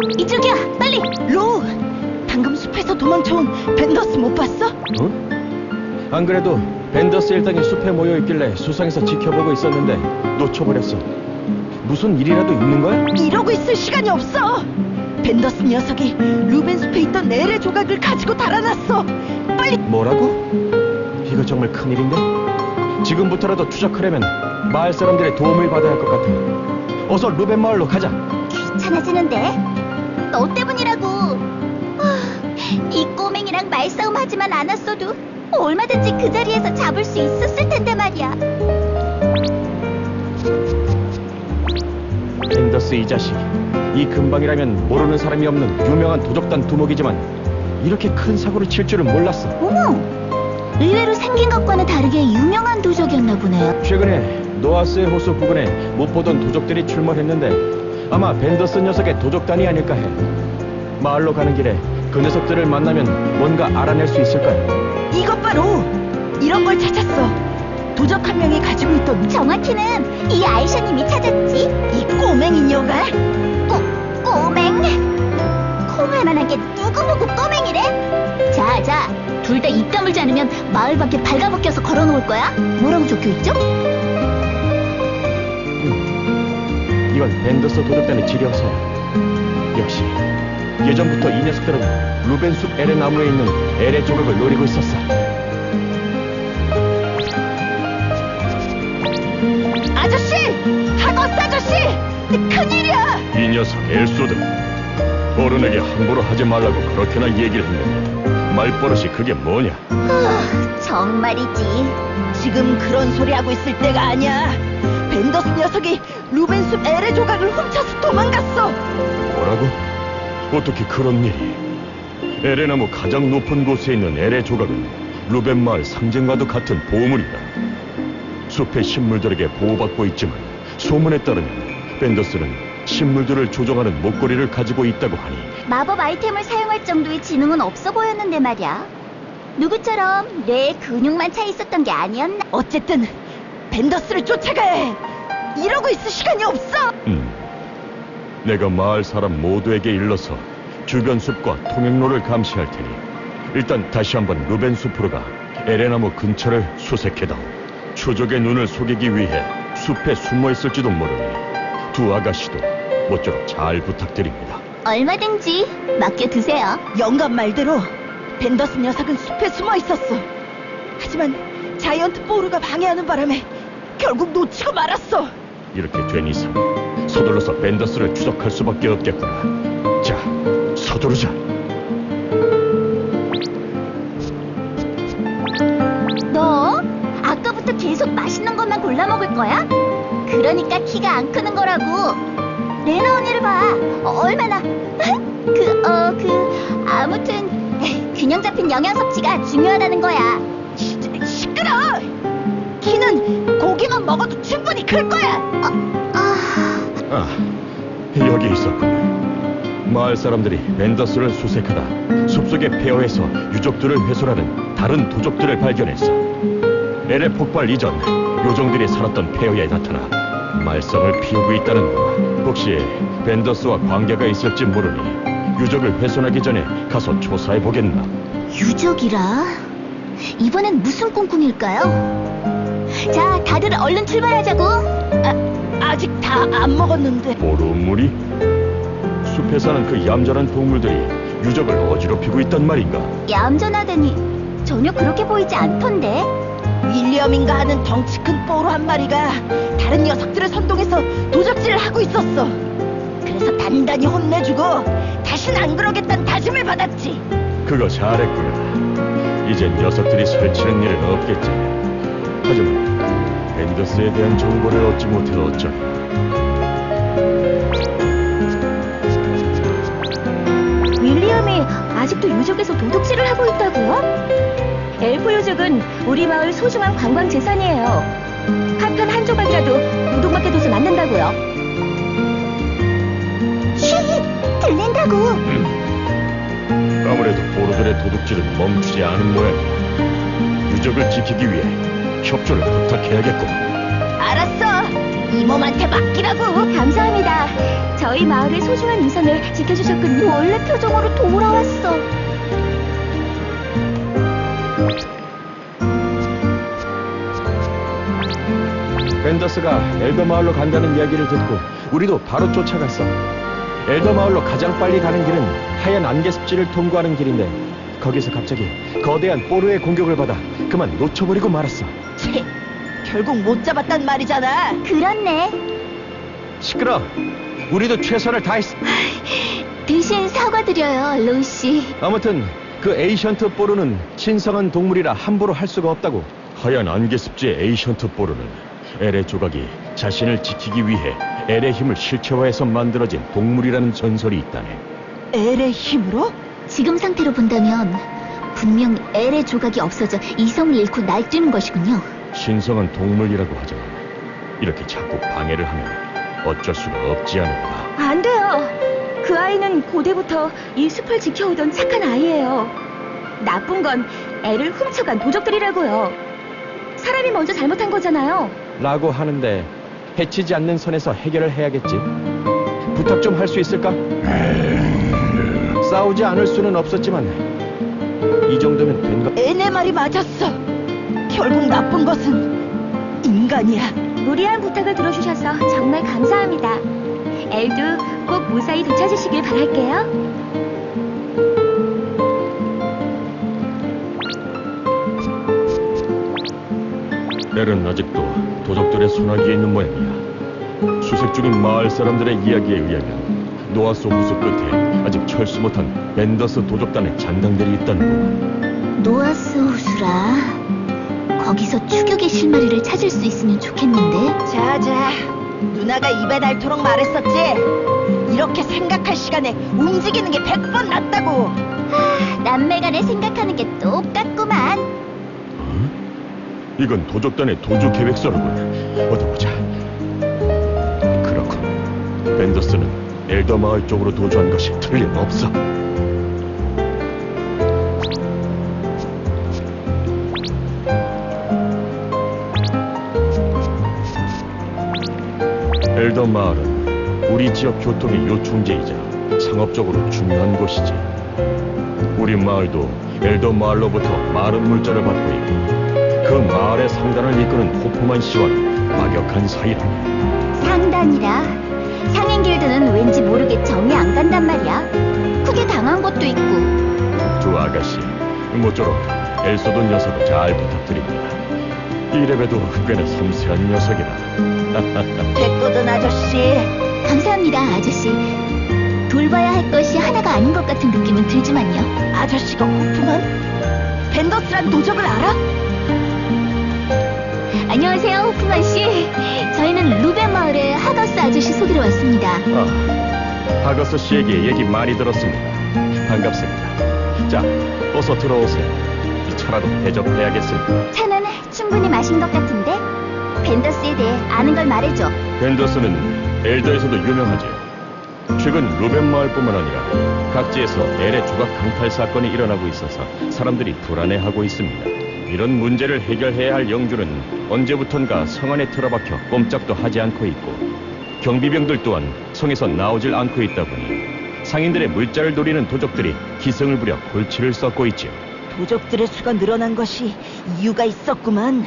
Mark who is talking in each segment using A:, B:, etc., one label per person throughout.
A: 이쪽이야, 빨리!
B: 로! 방금 숲에서 도망쳐온 벤더스 못 봤어?
C: 어? 안 그래도 벤더스 일당이 숲에 모여있길래 수상해서 지켜보고 있었는데 놓쳐버렸어. 무슨 일이라도 있는 거야?
B: 이러고 있을 시간이 없어! 벤더스 녀석이 루벤 숲에 있던 엘의 조각을 가지고 달아났어! 빨리!
C: 뭐라고? 이거 정말 큰일인데? 지금부터라도 추적하려면 마을 사람들의 도움을 받아야 할 것 같아. 어서 루벤 마을로 가자.
A: 귀찮아지는데? 너 때문이라고. 이 꼬맹이랑 말싸움 하지만 않았어도 얼마든지 그 자리에서 잡을 수 있었을 텐데 말이야.
C: 벤더스 이 자식, 이 근방이라면 모르는 사람이 없는 유명한 도적단 두목이지만 이렇게 큰 사고를 칠 줄은 몰랐어.
A: 어머! 의외로 생긴 것과는 다르게 유명한 도적이었나 보네요.
C: 최근에 노아스의 호수 부근에 못 보던 도적들이 출몰했는데 아마 벤더스 녀석의 도적단이 아닐까 해. 마을로 가는 길에 그 녀석들을 만나면 뭔가 알아낼 수 있을 거야.
B: 이것 바로! 이런 걸 찾았어! 도적 한 명이 가지고 있던
A: 정확히는 이 아이샤님이 찾았지.
B: 이 꼬맹이 녀가?
A: 꼬맹? 콩할 만한 게 누구 보고 꼬맹이래? 자, 둘 다 입 다물지 않으면 마을 밖에 발가벗겨서 걸어놓을 거야? 뭐라고 적혀있죠?
C: 이건 벤더스 도적단의 지령서야. 역시 예전부터 이 녀석들은 루벤숲 엘의 나무에 있는 엘의 조각을 노리고 있었어.
B: 아저씨! 하거스 아저씨! 큰일이야!
D: 이 녀석 엘소드, 어른에게 함부로 하지 말라고 그렇게나 얘기를 했는데 말버릇이 그게 뭐냐?
A: 정말이지.
B: 지금 그런 소리 하고 있을 때가 아니야. 벤더스 녀석이 루벤숲 엘의 조각을 훔쳐서 도망갔어.
D: 뭐라고? 어떻게 그런 일이? 엘의 나무 가장 높은 곳에 있는 엘의 조각은 루벤 마을 상징과도 같은 보물이다. 숲의 식물들에게 보호받고 있지만 소문에 따르면 벤더스는 식물들을 조종하는 목걸이를 가지고 있다고 하니
A: 마법 아이템을 사용할 정도의 지능은 없어 보였는데 말이야. 누구처럼 뇌에 근육만 차 있었던 게 아니었나?
B: 어쨌든 벤더스를 쫓아가야 해. 이러고 있을 시간이 없어.
D: 내가 마을 사람 모두에게 일러서 주변 숲과 통행로를 감시할 테니 일단 다시 한번 루벤 숲으로 가 엘의 나무 근처를 수색해다오. 추적의 눈을 속이기 위해 숲에 숨어 있을지도 모르니 두 아가씨도 모쪼록 잘 부탁드립니다.
A: 얼마든지 맡겨두세요.
B: 영감 말대로 벤더스 녀석은 숲에 숨어 있었어. 하지만 자이언트 보루가 방해하는 바람에 결국 놓치고 말았어.
D: 이렇게 된 이상 서둘러서 벤더스를 추적할 수밖에 없겠구나. 자, 서두르자.
A: 너 아까부터 계속 맛있는 것만 골라 먹을 거야? 그러니까 키가 안 크는 거라고. 레나 언니를 봐. 얼마나 아무튼 균형 잡힌 영양 섭취가 중요하다는 거야.
B: 시끄러! 키는 고기만 먹어도 충분히 클 거야.
D: 아, 여기 있었군. 마을 사람들이 벤더스를 수색하다 숲속의 폐허에서 유적들을 훼손하는 다른 도적들을 발견했어. 엘의 폭발 이전 요정들이 살았던 폐허에 나타나 말썽을 피우고 있다는 거야. 혹시 벤더스와 관계가 있을지 모르니 유적을 훼손하기 전에 가서 조사해 보겠나?
A: 유적이라? 이번엔 무슨 꿍꿍일까요? 자, 다들 얼른 출발하자고.
B: 아직 다 안 먹었는데.
D: 보루물이? 숲에 사는 그 얌전한 동물들이 유적을 어지럽히고 있단 말인가?
A: 얌전하다니 전혀 그렇게 보이지 않던데.
B: 윌리엄인가 하는 덩치 큰 뽀로 한 마리가 다른 녀석들을 선동해서 도적질을 하고 있었어. 그래서 단단히 혼내주고 다신 안 그러겠다는 다짐을 받았지.
D: 그거 잘했구나. 이제 녀석들이 설치는 일은 없겠지. 하지만 벤더스에 대한 정보를 얻지 못해서 어쩌냐.
A: 윌리엄이 아직도 유적에서 도둑질을 하고 있다고요? 엘프 유적은 우리 마을 소중한 관광 재산이에요. 한 편 한 조각이라도 도둑맞게 둬선 안 된다고요. 쉬! 들린다고!
D: 아무래도 보루들의 도둑질은 멈추지 않은 모양이야. 유적을 지키기 위해 협조를 부탁해야겠고.
B: 알았어. 이 몸한테 맡기라고.
A: 감사합니다. 저희 마을의 소중한 위선을 지켜주셨군요. 원래 표정으로 돌아왔어.
C: 벤더스가 엘더 마을로 간다는 이야기를 듣고 우리도 바로 쫓아갔어. 엘더 마을로 가장 빨리 가는 길은 하얀 안개 습지를 통과하는 길인데 거기서 갑자기 거대한 뽀르의 공격을 받아 그만 놓쳐버리고 말았어.
B: 채, 결국 못 잡았단 말이잖아.
A: 그렇네.
C: 시끄러. 우리도 최선을 다했어.
A: 대신 사과드려요, 로시.
C: 아무튼 그 에이션트 뽀르는 신성한 동물이라 함부로 할 수가 없다고.
D: 하얀 안개습지의 에이션트 보르는 엘의 조각이 자신을 지키기 위해 엘의 힘을 실체화해서 만들어진 동물이라는 전설이 있다네.
B: 엘의 힘으로?
A: 지금 상태로 본다면 분명 엘의 조각이 없어져 이성을 잃고 날뛰는 것이군요.
D: 신성한 동물이라고 하지만 이렇게 자꾸 방해를 하면 어쩔 수가 없지 않을까.
A: 안 돼요. 그 아이는 고대부터 이 숲을 지켜오던 착한 아이예요. 나쁜 건 애를 훔쳐간 도적들이라고요. 사람이 먼저 잘못한 거잖아요.
C: 라고 하는데 해치지 않는 선에서 해결을 해야겠지. 부탁 좀 할 수 있을까? 싸우지 않을 수는 없었지만 이 정도면 된 거.
B: 엘의 말이 맞았어. 결국 나쁜 것은 인간이야.
A: 무리한 부탁을 들어주셔서 정말 감사합니다. 엘도 꼭 무사히 되찾으시길 바랄게요.
D: 엘은 아직도 도적들의 소나기에 있는 모양이야. 수색 중인 마을 사람들의 이야기에 의하면 노아소 호수 끝에 아직 철수 못한 벤더스 도적단의 잔당들이 있다는 거.
A: 노아스 호수라. 거기서 추격의 실마리를 찾을 수 있으면 좋겠는데.
B: 자자, 누나가 입에 닳도록 말했었지. 이렇게 생각할 시간에 움직이는 게 100번 낫다고.
A: 남매간에 생각하는 게 똑같구만.
D: 이건 도적단의 도주 계획서로군. 어디 보자. 그렇군. 벤더스는 엘더 마을 쪽으로 도주한 것이 틀림없어. 엘더 마을은 우리 지역 교통의 요충지이자 상업적으로 중요한 곳이지. 우리 마을도 엘더 마을로부터 많은 물자를 받고 있고 그 마을의 상단을 이끄는 호프만 씨와는 막역한 사이라네.
A: 상단이라. 상인 길드는 왠지 모르게 정이 안 간단 말이야. 크게 당한 것도 있고.
D: 두 아가씨, 모쪼록 엘소도 녀석을 잘 부탁드립니다. 이래봬도 꽤나 섬세한 녀석이라.
B: 됐거든, 아저씨.
A: 감사합니다, 아저씨. 돌봐야 할 것이 하나가 아닌 것 같은 느낌은 들지만요.
B: 아저씨가 호프만? 벤더스란 도적을 알아?
A: 안녕하세요, 호프만 씨. 저희는 루벤 마을의 하거스 아저씨 소개로 왔습니다.
D: 하거스 씨에게 얘기 많이 들었습니다. 반갑습니다. 자, 어서 들어오세요. 이 차라도 대접해야겠습니다.
A: 차는 충분히 마신 것 같은데? 벤더스에 대해 아는 걸 말해줘.
D: 벤더스는 엘더에서도 유명하죠. 최근 루벤 마을뿐만 아니라 각지에서 엘의 조각 강탈 사건이 일어나고 있어서 사람들이 불안해하고 있습니다. 이런 문제를 해결해야 할 영주는 언제부턴가 성 안에 틀어박혀 꼼짝도 하지 않고 있고 경비병들 또한 성에서 나오질 않고 있다 보니 상인들의 물자를 노리는 도적들이 기승을 부려 골치를 썩고 있지요.
B: 도적들의 수가 늘어난 것이 이유가 있었구만.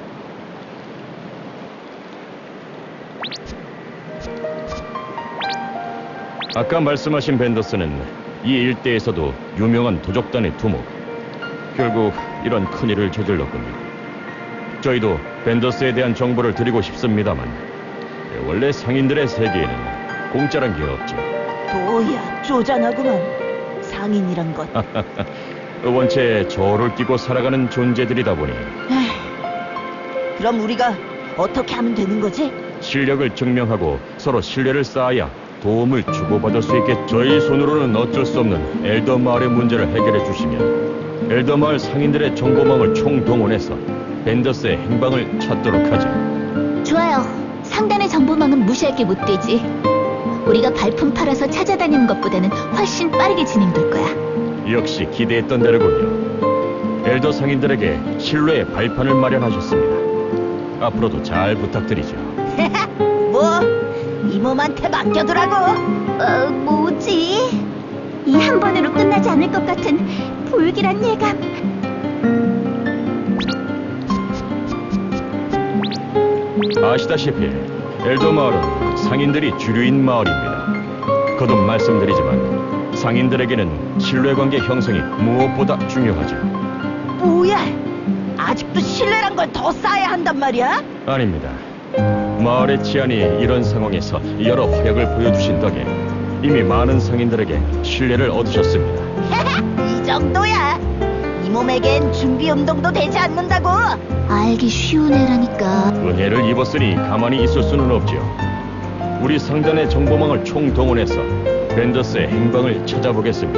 D: 아까 말씀하신 벤더스는 이 일대에서도 유명한 도적단의 두목. 결국 이런 큰일을 저질렀군요. 저희도 벤더스에 대한 정보를 드리고 싶습니다만 원래 상인들의 세계에는 공짜란 게 없죠.
B: 뭐야, 쪼잔하구만. 상인이란 것.
D: 원체 저를 끼고 살아가는 존재들이다 보니
B: 그럼 우리가 어떻게 하면 되는 거지?
D: 실력을 증명하고 서로 신뢰를 쌓아야 도움을 주고받을 수 있게. 저희 손으로는 어쩔 수 없는 엘더 마을의 문제를 해결해 주시면 엘더 마을 상인들의 정보망을 총동원해서 벤더스의 행방을 찾도록 하죠.
A: 좋아요. 상단의 정보망은 무시할 게 못 되지. 우리가 발품 팔아서 찾아다니는 것보다는 훨씬 빠르게 진행될 거야.
D: 역시 기대했던 대로군요. 엘더 상인들에게 신뢰의 발판을 마련하셨습니다. 앞으로도 잘 부탁드리죠.
B: 뭐? 이몸한테 맡겨두라고?
A: 뭐지? 이 한 번으로 끝나지 않을 것 같은 불길한 예감.
D: 아시다시피 엘더 마을은 상인들이 주류인 마을입니다. 거듭 말씀드리지만 상인들에게는 신뢰관계 형성이 무엇보다 중요하죠.
B: 뭐야? 아직도 신뢰란 걸 더 쌓아야 한단 말이야?
D: 아닙니다. 마을의 치안이 이런 상황에서 여러 활약을 보여주신 덕에 이미 많은 상인들에게 신뢰를 얻으셨습니다.
B: 이 정도야. 이 몸에겐 준비 운동도 되지 않는다고.
A: 알기 쉬운 애라니까.
D: 은혜를 입었으니 가만히 있을 수는 없지요. 우리 상단의 정보망을 총동원해서 벤더스의 행방을 찾아보겠습니다.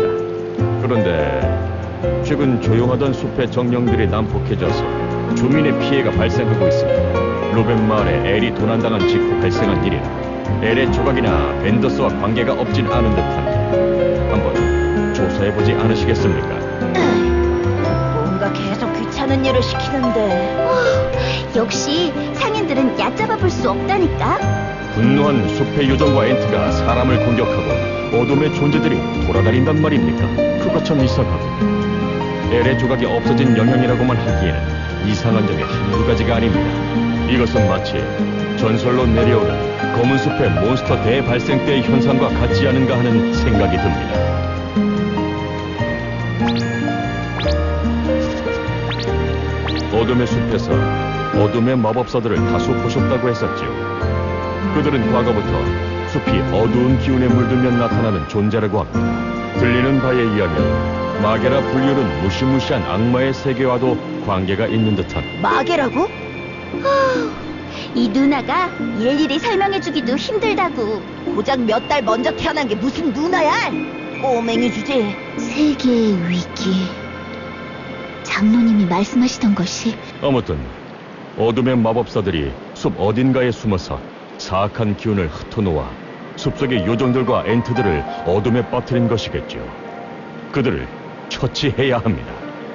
D: 그런데 최근 조용하던 숲의 정령들이 난폭해져서 주민의 피해가 발생하고 있습니다. 로벤 마을에 엘이 도난당한 직후 발생한 일이라 엘의 조각이나 벤더스와 관계가 없진 않은 듯한데 한번 조사해보지 않으시겠습니까?
B: 뭔가 계속 귀찮은 일을 시키는데.
A: 역시 상인들은 얕잡아 볼 수 없다니까.
D: 분노한 숲의 요정과 엔트가 사람을 공격하고 어둠의 존재들이 돌아다닌단 말입니까? 그거 참 이상하군요. 엘의 조각이 없어진 영향이라고만 하기에는 이상한 점이 한두 가지가 아닙니다. 이것은 마치 전설로 내려오는 검은 숲의 몬스터 대발생 때의 현상과 같지 않은가 하는 생각이 듭니다. 어둠의 숲에서 어둠의 마법사들을 다수 보셨다고 했었지요. 그들은 과거부터 숲이 어두운 기운에 물들면 나타나는 존재라고 합니다. 들리는 바에 의하면 마게라 불륜은 무시무시한 악마의 세계와도 관계가 있는 듯한.
B: 마개라고?
A: 이 누나가 일일이 설명해주기도 힘들다고.
B: 고작 몇 달 먼저 태어난 게 무슨 누나야? 꼬맹이 주제.
A: 세계의 위기. 장로님이 말씀하시던 것이.
D: 아무튼 어둠의 마법사들이 숲 어딘가에 숨어서 사악한 기운을 흩어놓아 숲속의 요정들과 엔트들을 어둠에 빠뜨린 것이겠죠. 그들을 처치해야 합니다.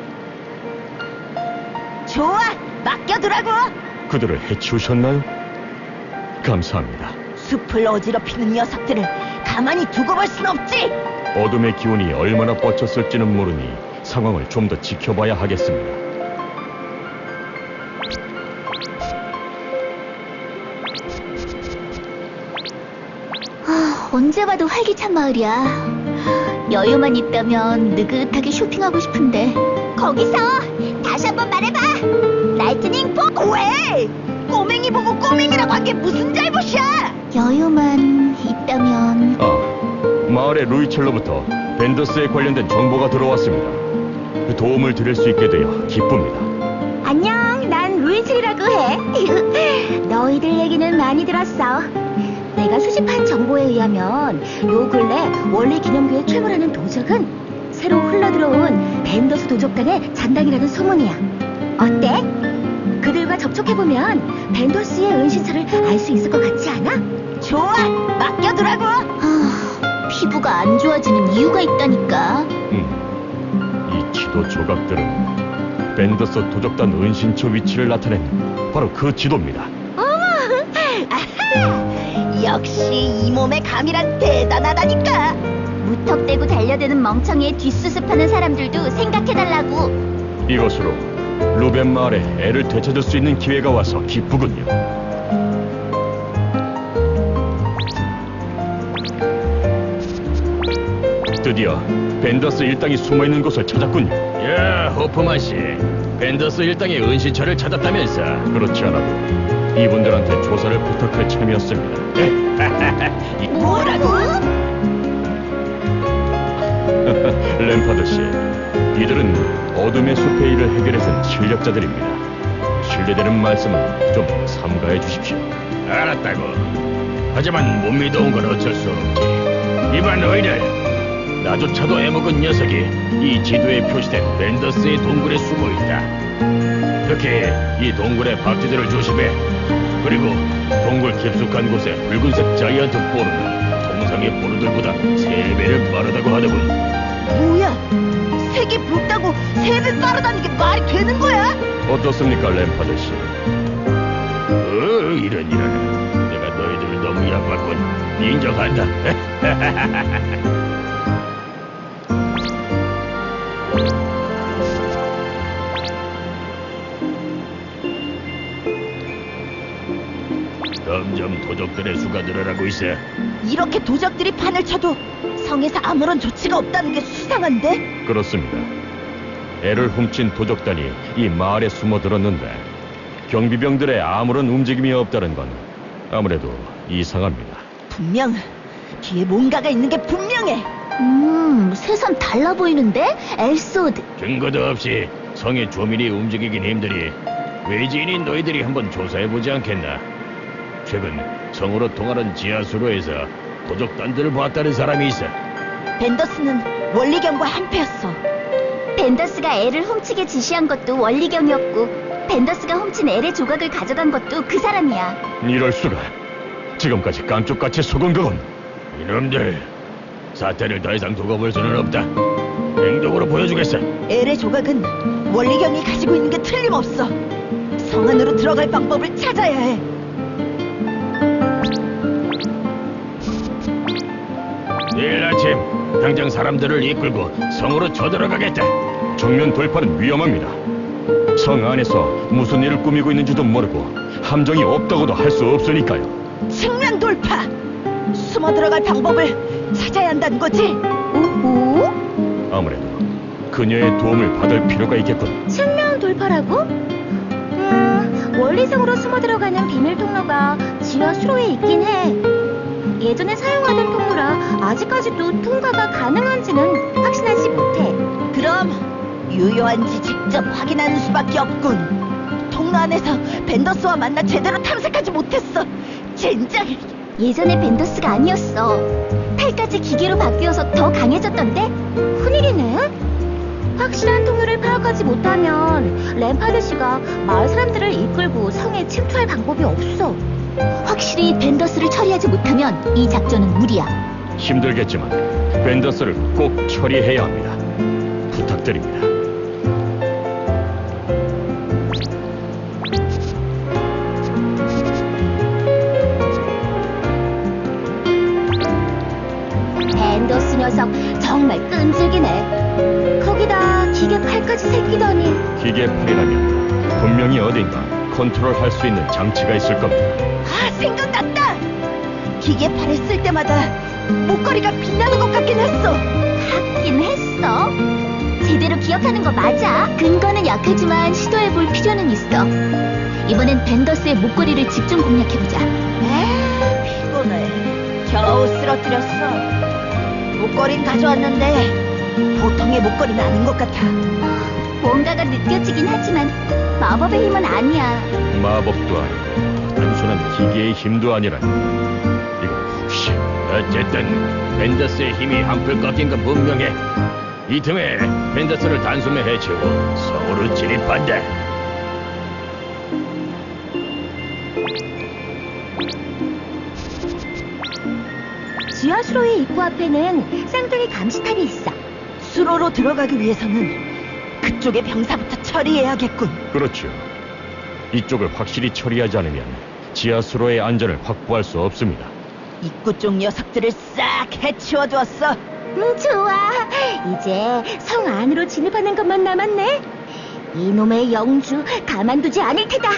B: 좋아, 맡겨두라고.
D: 그들을 해치우셨나요? 감사합니다.
B: 숲을 어지럽히는 녀석들을 가만히 두고 볼 순 없지.
D: 어둠의 기운이 얼마나 뻗쳤을지는 모르니 상황을 좀 더 지켜봐야 하겠습니다.
A: 언제 봐도 활기찬 마을이야. 여유만 있다면 느긋하게 쇼핑하고 싶은데. 거기서 다시 한번 말해봐. 라이트닝 폼.
B: 왜? 꼬맹이 보고 꼬맹이라고 한 게 무슨 잘못이야?
A: 여유만 있다면.
D: 마을의 루이첼로부터 벤더스에 관련된 정보가 들어왔습니다. 도움을 드릴 수 있게 되어 기쁩니다.
A: 안녕, 난 루이즐이라고 해. 너희들 얘기는 많이 들었어. 내가 수집한 정보에 의하면 요 근래 원래 기념교에 출몰하는 도적은 새로 흘러들어온 벤더스 도적단의 잔당이라는 소문이야. 어때? 그들과 접촉해보면 벤더스의 은신처를 알 수 있을 것 같지 않아?
B: 좋아, 맡겨두라고.
A: 피부가 안 좋아지는 이유가 있다니까.
D: 이 지도 조각들은 벤더스 도적단 은신처 위치를 나타낸 바로 그 지도입니다.
B: 역시 이 몸의 감이란 대단하다니까.
A: 무턱대고 달려드는 멍청이에 뒷수습하는 사람들도 생각해달라고.
D: 이것으로 루벤 마을에 애를 되찾을 수 있는 기회가 와서 기쁘군요. 드디어 벤더스 일당이 숨어있는 곳을 찾았군요. 야, 호프만 씨, 벤더스 일당의 은신처를 찾았다면서? 그렇지 않아도 이분들한테 조사를 부탁할 참이었습니다.
B: 뭐라고?
D: 램파드 씨, 이들은 어둠의 숲의 일을 해결해준 실력자들입니다. 신뢰되는 말씀은 좀 삼가해 주십시오. 알았다고. 하지만 못 믿어온 건 어쩔 수 없지. 이봐 너희들, 나조차도 애먹은 녀석이 이 지도에 표시된 벤더스의 동굴에 숨어있다. 특히 이 동굴의 박쥐들을 조심해. 그리고 동굴 깊숙한 곳에 붉은색 자이언트 포르는 통상의 포르들보다 3배를 빠르다고 하더군.
B: 뭐야? 색이 붉다고 3배 빠르다는 게 말이 되는 거야?
D: 어떻습니까, 램파드 씨? 이런. 내가 너희들 너무 약봤군. 인정한다. 점점 도적들의 수가 늘어나고 있어.
B: 이렇게 도적들이 판을 쳐도 성에서 아무런 조치가 없다는 게 수상한데?
D: 그렇습니다. 애를 훔친 도적단이 이 마을에 숨어들었는데 경비병들의 아무런 움직임이 없다는 건 아무래도 이상합니다.
B: 분명 뒤에 뭔가가 있는 게 분명해.
A: 새삼 달라 보이는데? 엘소드.
D: 증거도 없이 성의 조민이 움직이긴 힘드니 외지인인 너희들이 한번 조사해보지 않겠나? 최근 성으로 통하는 지하수로에서 도적단들을 봤다는 사람이 있어.
B: 벤더스는 원리경과 한패였어.
A: 벤더스가 애를 훔치게 지시한 것도 원리경이었고 벤더스가 훔친 엘의 조각을 가져간 것도 그 사람이야.
D: 이럴 수가. 지금까지 깜짝같이 속은 거군. 이놈들, 사태를 더 이상 두고 볼 수는 없다. 행동으로 보여주겠어.
B: 엘의 조각은 원리경이 가지고 있는 게 틀림없어. 성 안으로 들어갈 방법을 찾아야 해.
D: 내일 아침 당장 사람들을 이끌고 성으로 쳐들어가겠다. 정면 돌파는 위험합니다. 성 안에서 무슨 일을 꾸미고 있는지도 모르고 함정이 없다고도 할 수 없으니까요.
B: 측면 돌파! 숨어 들어갈 방법을 찾아야 한다는 거지?
A: 오호?
D: 아무래도 그녀의 도움을 받을 필요가 있겠군.
A: 측면 돌파라고? 원리성으로 숨어 들어가는 비밀 통로가 지하 수로에 있긴 해. 예전에 사용하던 통로라 아직까지도 통과가 가능한지는 확신하지 못해.
B: 그럼 유효한지 직접 확인하는 수밖에 없군. 통로 안에서 벤더스와 만나 제대로 탐색하지 못했어. 젠장!
A: 예전에 벤더스가 아니었어. 팔까지 기계로 바뀌어서 더 강해졌던데? 큰일이네. 확실한 통로를 파악하지 못하면 램파드 씨가 마을 사람들을 이끌고 성에 침투할 방법이 없어. 확실히 벤더스를 처리하지 못하면 이 작전은 무리야.
D: 힘들겠지만 벤더스를 꼭 처리해야 합니다. 부탁드립니다.
A: 벤더스 녀석 정말 끈질기네. 거기다 기계 팔까지 새끼더니.
D: 기계팔이라면 분명히 어딘가 컨트롤할 수 있는 장치가 있을 겁니다.
B: 아, 생각났다! 기계팔을 쓸 때마다 목걸이가 빛나는 것 같긴 했어.
A: 하긴 했어. 제대로 기억하는 거 맞아. 근거는 약하지만 시도해볼 필요는 있어. 이번엔 벤더스의 목걸이를 집중 공략해보자.
B: 피곤해. 겨우 쓰러뜨렸어. 목걸이는 가져왔는데 보통의 목걸이는 아닌 것 같아.
A: 뭔가가 느껴지긴 하지만 마법의 힘은 아니야.
D: 마법도 아니고 단순한 기계의 힘도 아니라니. 이거 혹시 어쨌든 벤더스의 힘이 한풀 꺾인 건 분명해. 이 틈에 벤더스를 단숨에 해치우고 성으로 진입한다.
A: 지하수로의 입구 앞에는 쌍둥이 감시탑이 있어.
B: 수로로 들어가기 위해서는 그쪽의 병사부터 처리해야겠군.
D: 그렇죠. 이쪽을 확실히 처리하지 않으면 지하수로의 안전을 확보할 수 없습니다.
B: 입구 쪽 녀석들을 싹 해치워두었어.
A: 좋아. 이제 성 안으로 진입하는 것만 남았네. 이놈의 영주 가만두지 않을 테다.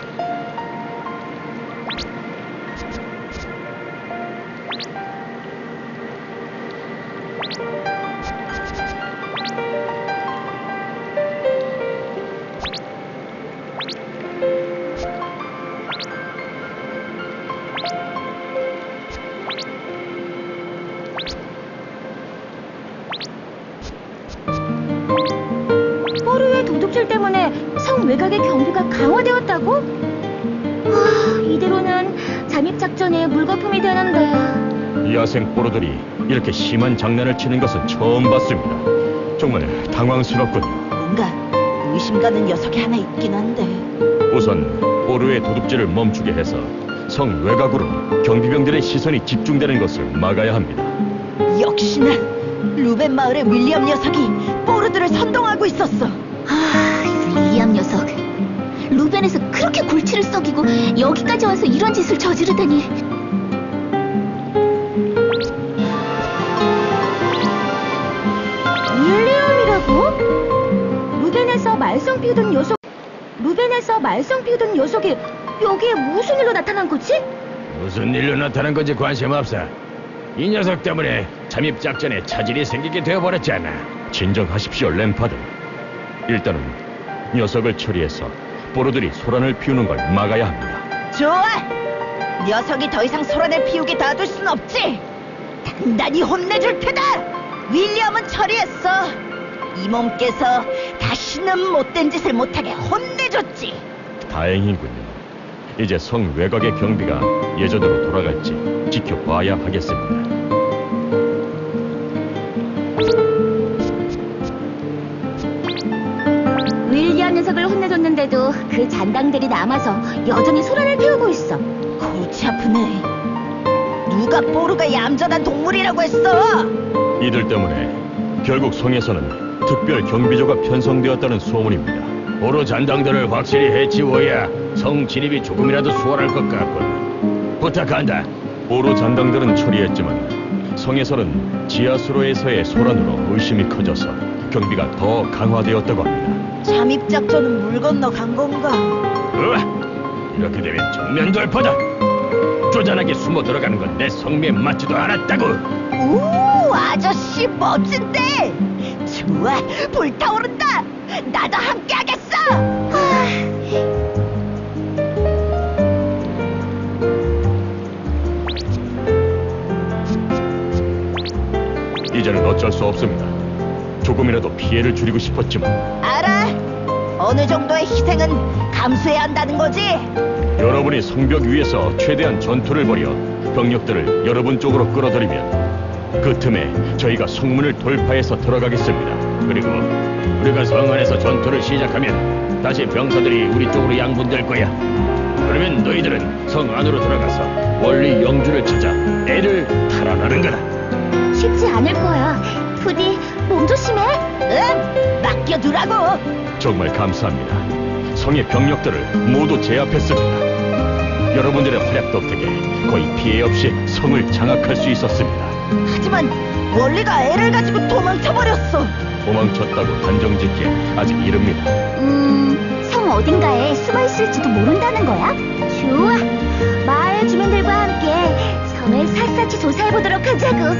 A: 포르의 도둑질 때문에 성 외곽의 경비가 강화되었다고? 이대로는 잠입 작전에 물거품이 되는데.
D: 야생 포로들이 이렇게 심한 장난을 치는 것은 처음 봤습니다. 정말 당황스럽군요.
B: 뭔가 의심 가는 녀석이 하나 있긴 한데.
D: 우선 포르의 도둑질을 멈추게 해서 성 외곽으로 경비병들의 시선이 집중되는 것을 막아야 합니다.
B: 역시나 루벤 마을의 윌리엄 녀석이 포르들을 선동하고 있었어.
A: 이 윌리엄 녀석. 루벤에서 그렇게 골치를 썩이고 여기까지 와서 이런 짓을 저지르다니. 말썽 피우던 녀석, 루벤에서 말썽 피우던 녀석이 여기에 무슨 일로 나타난 거지?
D: 무슨 일로 나타난 건지 관심 없어. 이 녀석 때문에 잠입 작전에 차질이 생기게 되어버렸잖아. 진정하십시오, 램파드. 일단은 녀석을 처리해서 뽀로들이 소란을 피우는 걸 막아야 합니다.
B: 좋아! 녀석이 더 이상 소란을 피우게 놔둘 순 없지! 단단히 혼내줄 테다! 윌리엄은 처리했어! 이 몸께서 다시는 못된 짓을 못하게 혼내줬지!
D: 다행이군요. 이제 성 외곽의 경비가 예전으로 돌아갈지 지켜봐야 하겠습니다.
A: 윌리엄 녀석을 혼내줬는데도 그 잔당들이 남아서 여전히 소란을 피우고 있어.
B: 골치 아프네. 누가 뽀로가 얌전한 동물이라고 했어?
D: 이들 때문에 결국 성에서는 특별 경비조가 편성되었다는 소문입니다. 보로 잔당들을 확실히 해치워야 성 진입이 조금이라도 수월할 것 같군. 부탁한다. 보로 잔당들은 처리했지만 성에서는 지하수로에서의 소란으로 의심이 커져서 경비가 더 강화되었다고 합니다.
B: 잠입작전은 물 건너 간 건가?
D: 이렇게 되면 정면 돌파다. 쪼잔하게 숨어 들어가는 건 내 성미에 맞지도 않았다고.
B: 오, 아저씨 멋진데! 좋아, 불타오른다! 나도 함께 하겠어!
D: 이제는 어쩔 수 없습니다. 조금이라도 피해를 줄이고 싶었지만
B: 알아! 어느 정도의 희생은 감수해야 한다는 거지?
D: 여러분이 성벽 위에서 최대한 전투를 벌여 병력들을 여러분 쪽으로 끌어들이면 그 틈에 저희가 성문을 돌파해서 들어가겠습니다. 그리고 우리가 성 안에서 전투를 시작하면 다시 병사들이 우리 쪽으로 양분될 거야. 그러면 너희들은 성 안으로 들어가서 원리 영주를 찾아 애를 탈환하는 거다.
A: 쉽지 않을 거야. 부디 몸 조심해.
B: 응, 맡겨두라고!
D: 정말 감사합니다. 성의 병력들을 모두 제압했습니다. 여러분들의 활약 덕택에 거의 피해 없이 성을 장악할 수 있었습니다.
B: 하지만 원리가 애를 가지고 도망쳐버렸어!
D: 도망쳤다고 단정짓기에 아직 이릅니다.
A: 성 어딘가에 숨어 있을지도 모른다는 거야? 좋아. 마을 주민들과 함께 성을 샅샅이 조사해 보도록 하자고.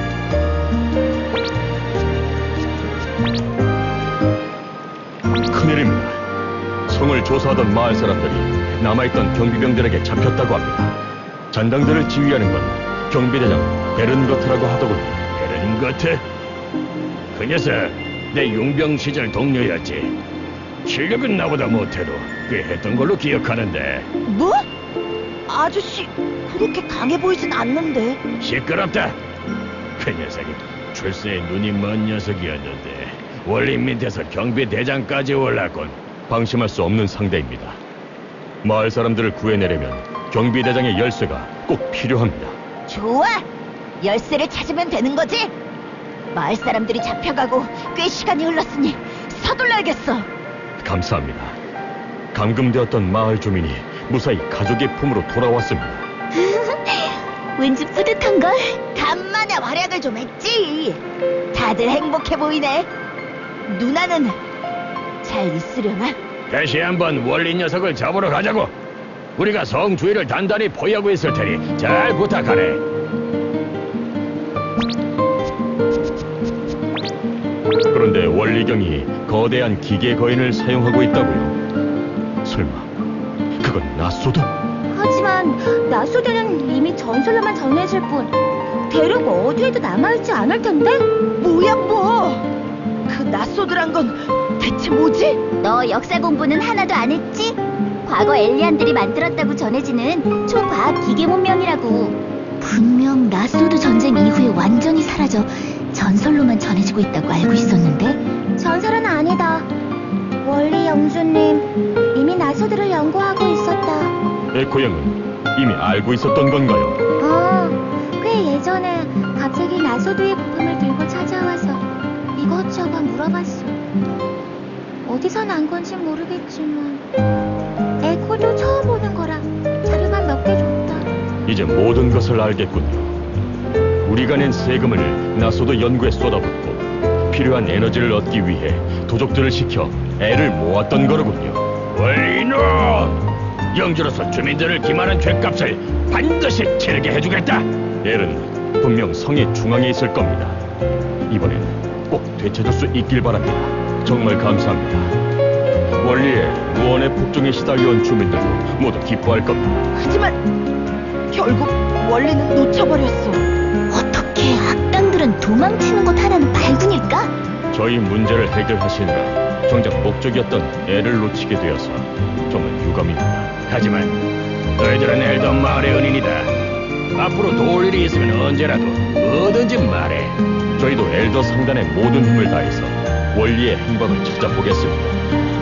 D: 큰일입니다. 성을 조사하던 마을 사람들이 남아있던 경비병들에게 잡혔다고 합니다. 잔당들을 지휘하는 건 경비대장 베른거트라고 하더군요. 베른거트? 그 녀석 내 용병 시절 동료였지. 실력은 나보다 못해도 꽤 했던 걸로 기억하는데.
B: 뭐? 아저씨, 그렇게 강해 보이진 않는데.
D: 시끄럽다. 그 녀석이 출세에 눈이 먼 녀석이었는데 원리 밑에서 경비대장까지 올랐군. 방심할 수 없는 상대입니다. 마을 사람들을 구해내려면 경비대장의 열쇠가 꼭 필요합니다.
B: 좋아! 열쇠를 찾으면 되는 거지? 마을 사람들이 잡혀가고 꽤 시간이 흘렀으니 서둘러야겠어.
D: 감사합니다. 감금되었던 마을 주민이 무사히 가족의 품으로 돌아왔습니다.
A: 왠지 뿌듯한걸?
B: 간만에 활약을 좀 했지. 다들 행복해 보이네. 누나는 잘 있으려나?
D: 다시 한번 원리 녀석을 잡으러 가자고. 우리가 성 주위를 단단히 포위하고 있을 테니 잘 부탁하네. 그런데 원리경이 거대한 기계 거인을 사용하고 있다고요. 설마 그건 나소도?
A: 하지만 나소대는 이미 전설로만 전해질 뿐 대륙 어디에도 남아있지 않을 텐데?
B: 뭐야 뭐? 그 낯소드란 건 대체 뭐지?
A: 너 역사 공부는 하나도 안 했지? 과거 엘리안들이 만들었다고 전해지는 초과학 기계 문명이라고. 분명 나소드 전쟁 이후에 완전히 사라져 전설로만 전해지고 있다고 알고 있었는데? 전설은 아니다. 원리 영주님 이미 나소드를 연구하고 있었다.
D: 에코 형은 이미 알고 있었던 건가요?
A: 꽤 예전에 갑자기 나소드의 부품을 들고 찾아와서 이것저것 물어봤어. 어디서 난 건지 모르겠지만 에코도 처음 보는 거라 자료만 몇 개 줬다.
D: 이제 모든 것을 알겠군요. 우리가 낸 세금을 나소도 연구에 쏟아붓고 필요한 에너지를 얻기 위해 도적들을 시켜 애를 모았던 거로군요.
E: 원리놈! 영주로서 주민들을 기만한 죗값을 반드시 치르게 해주겠다.
D: 엘은 분명 성의 중앙에 있을 겁니다. 이번엔 꼭 되찾을 수 있길 바랍니다. 정말 감사합니다. 원리에 무언의 폭정에 시달려온 주민들도 모두 기뻐할 겁니다.
B: 하지만 결국 원리는 놓쳐버렸어.
A: 어떻게 악당들은 도망치는 곳 하나는 발군일까?
D: 저희 문제를 해결하시느라 정작 목적이었던 애를 놓치게 되어서 정말 유감입니다.
E: 하지만 너희들은 엘던 마을의 은인이다. 앞으로 도울 일이 있으면 언제라도 뭐든지 말해.
D: 저희도 엘더 상단의 모든 힘을 다해서 원리의 행방을 찾아보겠습니다.